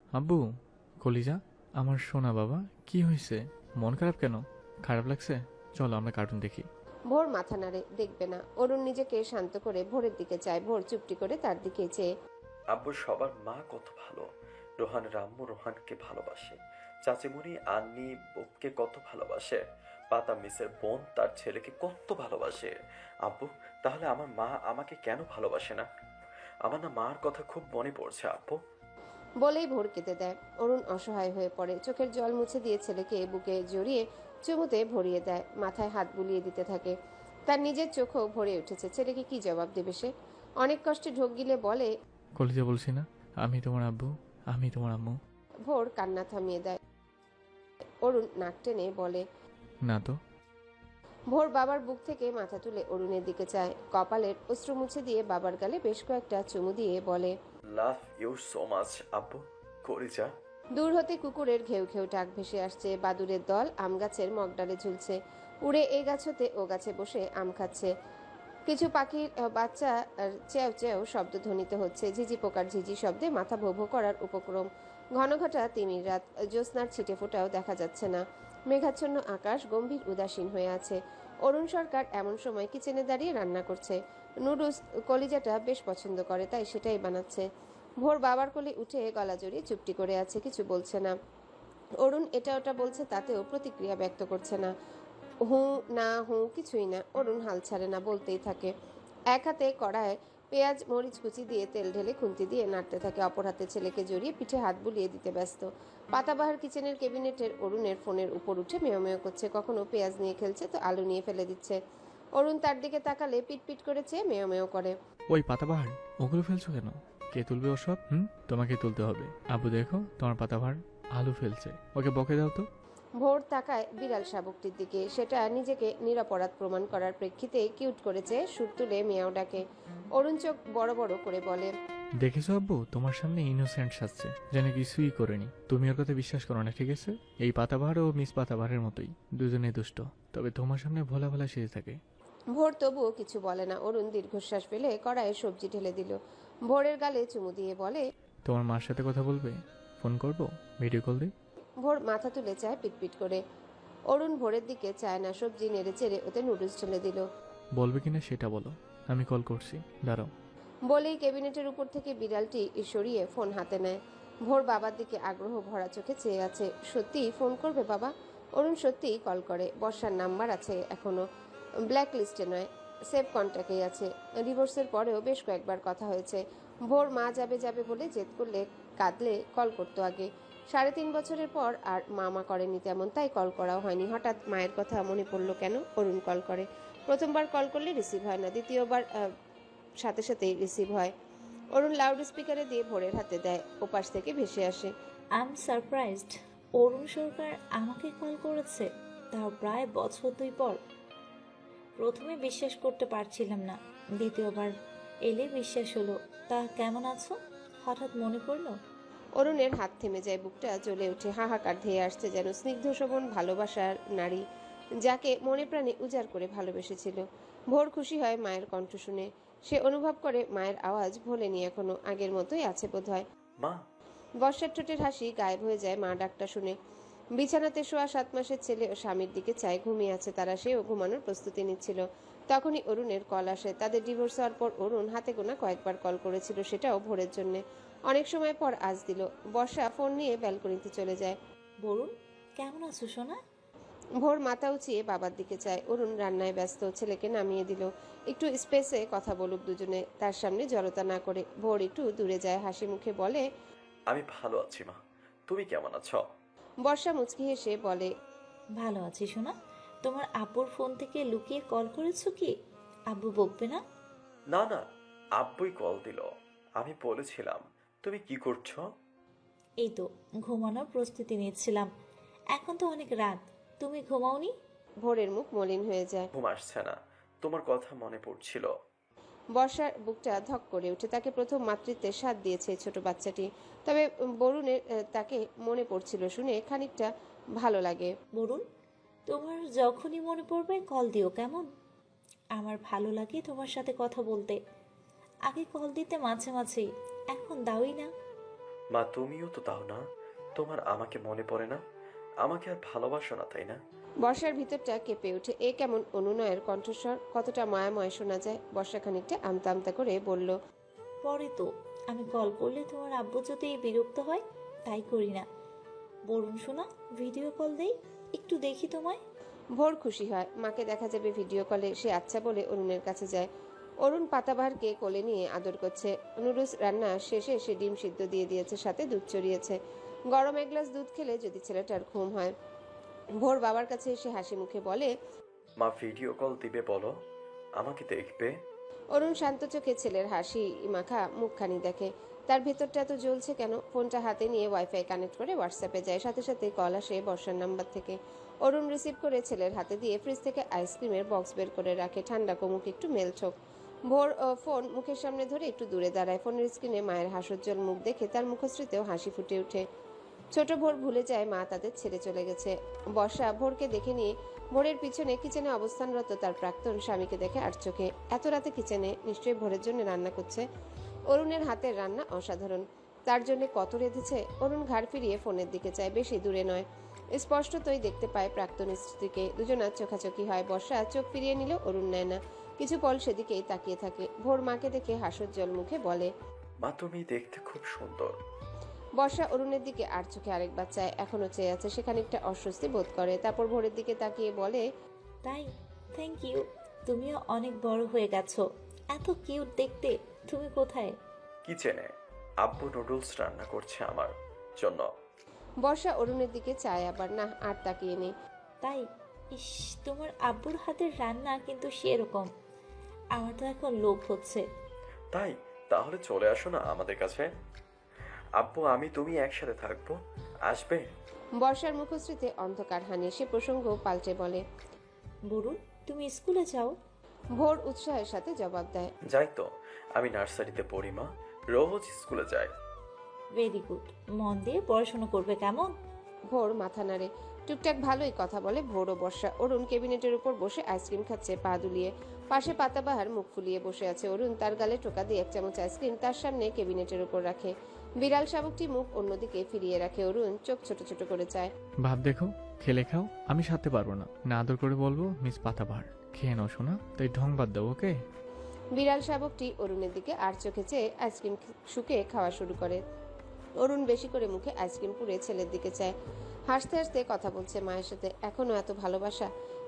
আব্বু, কলিজা, আমার সোনা বাবা, কি হয়েছে? মন খারাপ কেন? খারাপ লাগছে? চলো আমরা কার্টুন দেখি। ভোর মাথা নাড়ে, দেখবে না। অরুণ নিজেকে শান্ত করে ভোরের দিকে চায়। ভোর চুপটি করে তার দিকে চেয়ে। আব্বু সবার মা কত ভালো। রোহানের আম্মু রোহানকে ভালোবাসে। চাচিমণি আন্নি বোপকে কত ভালোবাসে। পাতা মিসের বোন তার ছেলেকে কত ভালোবাসে। আব্বু, তাহলে আমার মা আমাকে কেন ভালোবাসে না? আমার না মার কথা খুব মনে পড়ছে আব্বু। বলেই ভোর কেঁদে দেয়। অরুণ অসহায় হয়ে পড়ে, চোখের জল মুছে দিয়ে ছেলেকে বুকে জড়িয়ে চুমুতে ভরিয়ে দেয়, মাথায় হাত বুলিয়ে দিতে থাকে। তার নিজের চোখও ভরে উঠেছে। ছেলেকে কি জবাব দেবে সে? অনেক কষ্টে ঢোক গিলে বলে, কলিজা বলছি না, আমি তোমার আব্বু, আমি তোমার আম্মু। ভোর কান্না থামিয়ে দেয়। অরুণ নাক টেনে বলে, না তো। ভোর বাবার বুক থেকে মাথা তুলে অরুণের দিকে চায়, কপালের অশ্রু মুছে দিয়ে বাবার গালে বেশ কয়েকটা চুমু দিয়ে বলে, লাভ ইউ সো মাচ আব্বু। কলিজা। দূর হতে কুকুরের ঘেউ ঘেউ ডাক ভেসে আসছে। বাদুড়ের দল আম গাছের মগডালে ঝুলছে, উড়ে এ গাছ হতে ও গাছে বসে আম খাচ্ছে। কিছু পাখির বাচ্চা চেও চেও শব্দ ধ্বনিত হচ্ছে। ঝিঝি পোকার ঝিঝি শব্দে মাথা ভো ভো করার উপক্রম। ঘনঘটা তিমির রাত, জ্যোৎস্নার ছিটে ফোঁটাও দেখা যাচ্ছে না। মেঘাচ্ছন্ন আকাশ গম্ভীর উদাসীন হয়ে আছে। অরুণ সরকার এমন সময় কিচেনে দাঁড়িয়ে রান্না করছে। নুডলস কলিজাটা বেশ পছন্দ করে, তাই সেটাই বানাচ্ছে। ভোর বাবার কোলে উঠে গলা জড়িয়ে চুপটি করে আছে, কিছু বলছে না। অরুণ এটা ওটা বলছে, তাতেও প্রতিক্রিয়া ব্যক্ত করছে না। হু না হু কিছুই না। অরুণ হাল ছাড়ে না, বলতেই থাকে। এক হাতে কড়ায় পেঁয়াজ মরিচ কুচি দিয়ে তেল ঢেলে খুন্তি দিয়ে নাড়তে থাকে, অপর হাতে ছেলেকে জড়িয়ে পিঠে হাত বুলিয়ে দিতে ব্যস্ত। পাতাবাহার কিচেনের ক্যাবিনেটের অরুণের ফোনের উপর উঠে মেয় মেয় করছে। কখনো পেঁয়াজ নিয়ে খেলছে, তো আলু নিয়ে ফেলে দিচ্ছে। অরুণ তার দিকে তাকালে পিট পিট করে চেয়ে মেয় মেয় করে। ওই পাতাবাহার, ওগুলো ফেলছো কেন? কে তুলবে ওসব? তোমাকে তুলতে হবে। আব্বু দেখো, তোমার পাতাবাহার আলু ফেলছে, ওকে বকে দাও তো। ভোর তাকায় বিড়াল শাবকটির দিকে। সেটা নিজেকে নিরপরাধ প্রমাণ করার প্রেক্ষিতে কিউট করেছে, সুর তুলে মিয়াও ডাকে। অরুণ চোখ বড় বড় করে বলে, দেখেছো আব্বু, তোমার সামনে ইনোসেন্ট সাজছে, যেন কিছুই করেনি। তুমি ওর কথা বিশ্বাস করো না, ঠিক আছে? এই পাতাবাহার ও মিস পাতাবাহারের মতোই, দুজনেই দুষ্ট, তবে তোমার সামনে ভোলা ভোলা সেজে থাকে। ভোর তবুও কিছু বলে না। অরুণ দীর্ঘশ্বাস ফেলে কড়াইয়ে সবজি ঢেলে দিল। ভোরের গালে চুমু দিয়ে বলে, তোমার মার সাথে কথা বলবে? ফোন করবো? ভিডিও কল দিই? ভোর মাথা তুলে চায় পিটপিট করে। অরুণ ভোরের দিকে চায় না, সবজি নেড়ে চেড়ে ওতে নুডলস ঢেলে দিল। বলবে কিনা সেটা বলো, আমি কল করছি, দাঁড়াও। বলেই ক্যাবিনেটের উপর থেকে বিড়ালটি সরিয়ে ফোন হাতে নেয়। ভোর বাবার দিকে আগ্রহ ভরা চোখে চেয়ে আছে। সত্যিই ফোন করবে বাবা? অরুণ সত্যিই কল করে। বর্ষার নাম্বার আছে এখনো, ব্ল্যাক লিস্টে নয়, সেভ কন্ট্যাক্টেই আছে। ডিভোর্সের পরেও বেশ কয়েকবার কথা হয়েছে। ভোর মা যাবে যাবে বলে জেদ করলে, কাঁদলে কল করতো আগে। 3.5 বছরের পর আর মামা করেনি তেমন, তাই কল করাও হয়নি। হঠাৎ মায়ের কথা মনে পড়লো কেন? অরুণ কল করে। প্রথমবার কল করলে রিসিভ হয় না, দ্বিতীয়বার সাথে সাথেই রিসিভ হয়। অরুণ লাউড স্পিকারে দিয়ে ভোরের হাতে দেয়, ওপাশ থেকে ভেসে আসে, I am surprised. Arun Sarkar আমাকে কল করেছে, তাও প্রায় বছর 2 পর। প্রথমে বিশ্বাস করতে পারছিলাম না, দ্বিতীয়বার এলে বিশ্বাস হলো। তা কেমন আছো? হঠাৎ মনে পড়লো। অরুণের হাত থেমে যায়, বুকটা জ্বলে ওঠে, হাহাকার ধেয়ে আসছে যেন স্নিগ্ধ শোভন ভালোবাসার নারী, যাকে মনে প্রাণে উজাড় করে ভালোবেসেছিল। ভোর খুশি হয় মায়ের কণ্ঠ শুনে। সে অনুভব করে মায়ের আওয়াজ ভোলেনি এখনো, আগের মতোই আছে বোধহয়। মা। বর্ষার ঠোঁটের হাসি গায়েব হয়ে যায় মা ডাকটা শুনে। বিছানাতে শোয়া 7 মাসের ছেলে ও স্বামীর দিকে চায়, ঘুমিয়ে আছে তারা। সেও ঘুমানোর প্রস্তুতি নিচ্ছিল। তখনই অরুণের কল আসে। তাদের ডিভোর্স হওয়ার পর অরুণ হাতে গোনা কয়েকবার কল করেছিল, সেটাও ভোরের জন্য। অনেক সময় পর আজ দিল। বর্ষা ফোন নিয়ে ব্যালকনিতে চলে যায়। বরুণ, কেমন আছো সোনা? ভোর মাথা উঁচিয়ে বাবার দিকে চায়। অরুণ রান্নায় ব্যস্ত, ছেলেকে নামিয়ে দিল। একটু স্পেসে কথা বলুক দুজনে, তার সামনে জড়তা না করে। ভোর একটু দূরে যায়, হাসি মুখে বলে, আমি ভালো আছি মা। তুমি কেমন আছো? বর্ষা মুচকি হেসে বলে, ভালো আছি সোনা। তোমার আব্বুর ফোন থেকে লুকিয়ে কল করেছো কি? আব্বু বকবে না? না না, আব্বুই কল দিল। আমি বলেছিলাম, তুমি কি করছো? এই তো ঘুমানোর প্রস্তুতি নিচ্ছিলাম। এখন তো অনেক রাত, তুমি ঘুমাওনি? ভোরের মুখ মলিন হয়ে যায়। ঘুম আসছে না, তোমার কথা মনে পড়ছিল। বর্ষার বুকটা ধক করে ওঠে। তাকে প্রথম মাতৃত্বের স্বাদ দিয়েছে এই ছোট বাচ্চাটি। তবে বরুণের তাকে মনে পড়ছিল শুনে খানিকটা ভালো লাগে। বরুণ, তোমার যখনই মনে পড়বে কল দিও কেমন? আমার ভালো লাগে তোমার সাথে কথা বলতে। আগে কল দিতে মাঝে মাঝেই, এখন দাওই না। মা তুমিও তো দাও না। তোমার আমাকে মনে পড়ে না? আমাকে আর ভালোবাসো না, তাই না? বর্ষার ভিতরটা কেঁপে ওঠে। এ কেমন অনুনয়ের কণ্ঠস্বর, কতটা মায়াময় শোনা যায়। বর্ষা খানিকটা আমতা আমতা করে বলল, পরে তো আমি কল করলে তোমার আব্বু যদি বিরক্ত হয়, তাই করি না। বরুণ শোনা, ভিডিও কল দেই, একটু দেখি তোমায়। ভোর খুশি হয়, মাকে দেখা যাবে ভিডিও কলে। সে আচ্ছা বলে অরুণের কাছে যায়। অরুণ পাতাবাহারকে কোলে নিয়ে আদর করছে। নুডলস রান্না শেষে সে ডিম সিদ্ধ দিয়ে দিয়েছে, সাথে দুধ চড়িয়েছে। গরম এক গ্লাস দুধ খেলে যদি ছেলেটার ঘুম হয়। ভোর বাবার কাছে এসে হাসি মুখে বলে, মা ভিডিও কল দিবে বলো, আমাকে দেখবে। অরুণ শান্ত চোখে ছেলের হাসি মাখা মুখখানি দেখে। তার ভেতরটা এত জ্বলছে কেন? ফোনটা হাতে নিয়ে ওয়াইফাই কানেক্ট করে হোয়াটসঅ্যাপে যায়। সাথে সাথে কল আসে বর্ষার নাম্বার থেকে। অরুণ রিসিভ করে ছেলের হাতে দিয়ে ফ্রিজ থেকে আইসক্রিমের বক্স বের করে রাখে। ঠান্ডা কোমুক একটু মেলছোক। ভোর ফোন মুখের সামনে ধরে একটু দূরে দাঁড়ায়। ফোনের স্ক্রিনে মায়ের হাসজ্জ্বল মুখ দেখে তার মুখশ্রীতেও হাসি ফুটে ওঠে। ছোট ভোর ভুলে যায় মা তাদের ছেড়ে চলে গেছে। বর্ষা ভোরকে দেখে নিয়ে ভোরের পিছনে কিচেনে অবস্থানরত তার প্রাক্তন স্বামীকে দেখে আর চোখে। এত রাতে কিচেনে, নিশ্চয়ই ভোরের জন্য রান্না করছে। অরুণের হাতের রান্না অসাধারণ। তার জন্য কত রেঁধেছে। অরুণ ঘাড় ফিরিয়ে ফোনের দিকে চায়, বেশি দূরে নয়। স্পষ্টতই দেখতে পায় প্রাক্তন স্ত্রীকে। দুজনার চোখাচোখি হয়। বর্ষা চোখ ফিরিয়ে নিল, অরুণ নেয় না। কিছু পল সেদিকেই তাকিয়ে থাকে। ভোর মাকে দেখে হাসজ্জ্বল মুখে বলে, মা তুমি দেখতে খুব সুন্দর। বর্ষা অরুণের দিকে আর চোখে আরেকবার চায়, এখনো চেয়ে আছে। সে খানিকটা অস্বস্তি বোধ করে। তারপর ভোরের দিকে তাকিয়ে বলে, তাই? Thank you. তুমিও অনেক বড় হয়ে গেছো। এত কিউট দেখতে। তুমি কোথায়? কিচেনে আব্বু নুডলস রান্না করছে আমার জন্য। বর্ষা অরুণের দিকে চায় আবার, না আর তাকিয়ে নেই। তাই? ইস, তোমার আব্বুর হাতের রান্না কিন্তু সেরকম। আমার তো এখন লোভ হচ্ছে। তাই? তাহলে চলে আসো না আমাদের কাছে। আব্বু আমি তুমি একসাথে থাকবো, আসবে? বর্ষার মুখশ্রীতে অন্ধকার হানে। সে প্রসঙ্গ পাল্টে বলে, বরুণ, তুমি স্কুলে যাও? ভোর উৎসাহের সাথে জবাব দেয়, যাই তো, আমি নার্সারিতে পড়ি মা, রোজ স্কুলে যাই। Very good. মন দিয়ে পড়াশোনা করবে, কেমন? ভোর মাথা নাড়ে। টুকটাক ভালোই কথা বলে ভোর ও বর্ষা। অরুণ কেবিনেটের উপর বসে আইসক্রিম খাচ্ছে পা দুলিয়ে। পাশে পাতাবাহার মুখ ফুলিয়ে বসে আছে। অরুণ তার গালে টোকা দিয়ে 1 চামচ আইসক্রিম তার সামনে কেবিনেটের উপর রাখে। বিড়াল শাবকটি মুখ অন্যদিকে ফিরিয়ে রাখে। অরুণ চোখ ছোট ছোট করে চায়। ভাব দেখো, খেলে খাও, আমি সারতে পারবো না। না আদর করে বলবো মিস পাতাবাহার, খেয়ে নাও শোনা, তাই ঢং বাদ দাও, ওকে? বিড়াল শাবকটি অরুণের দিকে আর চোখে চেয়ে আইসক্রিম শুকে খাওয়া শুরু করে। অরুণ বেশি করে মুখে আইসক্রিম পুড়ে ছেলের দিকে চায়। হাসতে হাসতে কথা বলছে মায়ের সাথে। এখনো এত ভালোবাসা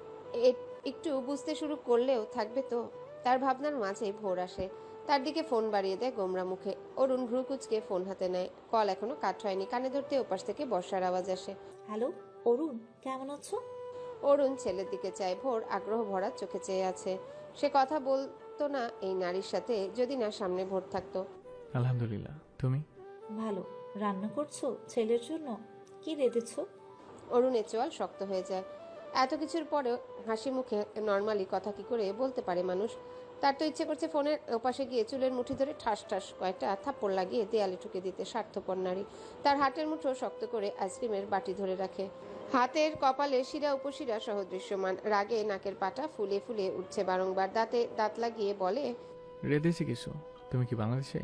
একটু বুঝতে শুরু করলেও থাকবে তো। তার ভাবনার মাঝে ভোর আসে। তার দিকে ফোন বাড়িয়ে দেয় গোমরা মুখে। অরুণ ভ্রু কুচকে ফোন হাতে নেয়। কল এখনো কাট হয়নি। কানে ধরতে ওপাশ থেকে বর্ষার আওয়াজ আসে। হ্যালো অরুণ, কেমন আছো? অরুণ ছেলের দিকে চায়। ভোর আগ্রহ ভরা চোখে চেয়ে আছে। সে কথা বলতো না এই নারীর সাথে যদি না সামনে ভোর থাকতো। আলহামদুলিল্লাহ, তুমি? ভালো। রান্না করছো ছেলের জন্য? কি রেঁধেছো? অরুণের চোয়াল শক্ত হয়ে যায়। এত কিছুর পরেও হাসি মুখে নর্মালি কথা কি করে বলতে পারে মানুষ? তার তো ইচ্ছে করছে ফোনের ওপাশে গিয়ে চুলের মুঠি ধরে ঠাস ঠাস কয়েকটা থাপ্পড় লাগিয়ে দেয়ালে ঠুকে দিতে। স্বার্থপর নারী। তার হাতের মুঠো শক্ত করে আইসক্রিমের বাটি ধরে রাখে। হাতের কপালে শিরা উপশিরা সহ দৃশ্যমান। রাগে নাকের পাটা ফুলে ফুলে উঠছে বারংবার। দাঁতে দাঁত লাগিয়ে বলে, রেঁধেছি কিছু। তুমি কি বাংলাদেশে?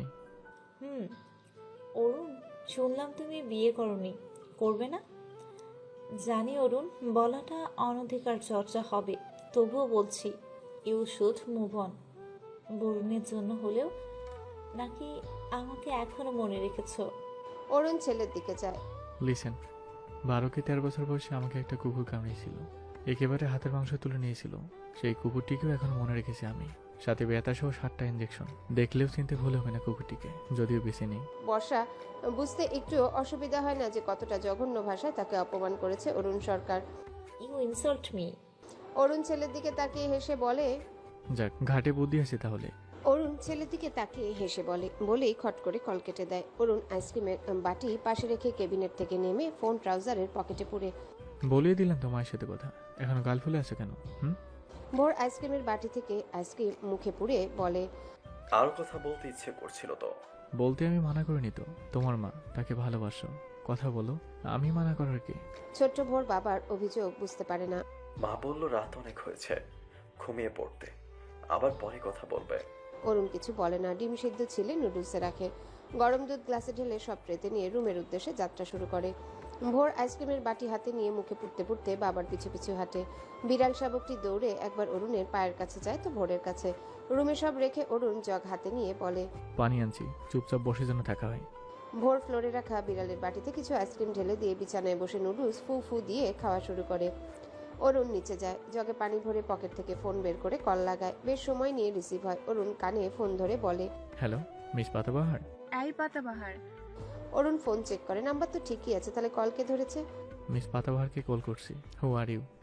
অরুণ, শুনলাম তুমি বিয়ে করনি, করবে না? জানি অরুণ, বলাটা অনধিকার চর্চা হবে, তবুও বলছি ইউ শুড মুভ অন। বরুণের জন্য হলেও, নাকি আমাকে এখনো মনে রেখেছো? অরুণ ছেলের দিকে যায়। লিসেন, 12 কি 13 বছর বয়সে আমাকে একটা কুকুর কামড়িয়েছিল। একেবারে হাতের মাংস তুলে নিয়েছিল। সেই কুকুরটিকেও এখন মনে রেখেছি আমি, সাথে ব্যথা সহ 7টা ইঞ্জেকশন। দেখলেও চিনতে ভুল হবে না কুকুরটিকে, যদিও বেশি নেই। বর্ষা বুঝতে একটু অসুবিধা হয় না যে কতটা জঘন্য ভাষায় তাকে অপমান করেছে Arun Sarkar. You insult me. Arun ছেলের দিকে তাকিয়ে হেসে বলে, যাক, ঘাটে বুদ্ধি আছে তাহলে। অরুণ ছেলের দিকে তাকিয়ে হেসে বলেই খট করে কল কেটে দেয়। অরুণ আইসক্রিমের বাটি পাশে রেখে কেবিনেট থেকে নেমে ফোন ট্রাউজারের পকেটে পুরে। বলিয়ে দিলাম তো মায়ের সাথে কথা, এখনো গাল ফুলে আছে কেন? ভোর আইসক্রিমের বাটি থেকে আইসক্রিম মুখে পুরে বলে, আর কথা বলতে ইচ্ছে করছিল তো। বলতে আমি মানা করিনি তো। তোমার মা, তাকে ভালোবাসো, কথা বলো, আমি মানা করার কি? ছোট্ট ভোর বাবার অভিযোগ বুঝতে পারে না। মা বলল রাত অনেক হয়েছে, ঘুমিয়ে পড়তে, আবার পরে কথা বলবে। অরুণ কিছু বলে না। ডিম সিদ্ধ ছিলে নুডলসে রাখে। গরম দুধ গ্লাসে ঢেলে সব ট্রেতে নিয়ে রুমের উদ্দেশ্যে যাত্রা শুরু করে। ভোর আইসক্রিমের বাটি হাতে নিয়ে মুখে পুড়তে পুড়তে বাবার পিছু পিছু হাঁটে। বিড়াল শাবকটি দৌড়ে একবার অরুণের পায়ের কাছে যায় তো ভোরের কাছে। রুমে সব রেখে অরুণ জগ হাতে নিয়ে বলে, পানি আনছি, চুপচাপ বসে যেন থাকা হয়। ভোর ফ্লোরে রাখা বিড়ালের বাটিতে কিছু আইসক্রিম ঢেলে দিয়ে বিছানায় বসে নুডলস ফু ফু দিয়ে খাওয়া শুরু করে। অরুণ নিচে যায়, জগে পানি ভরে পকেট থেকে ফোন বের করে কল লাগায়। বেশ সময় নিয়ে রিসিভ হয়। অরুণ কানে ফোন ধরে বলে, হ্যালো মিস পাতাবাহার। এই পাতাবাহার। অরুণ ফোন চেক করে, নাম্বার তো ঠিকই আছে, তাহলে কল কে ধরেছে? মিস পাতাবাহারকে কল করছি। Who are you?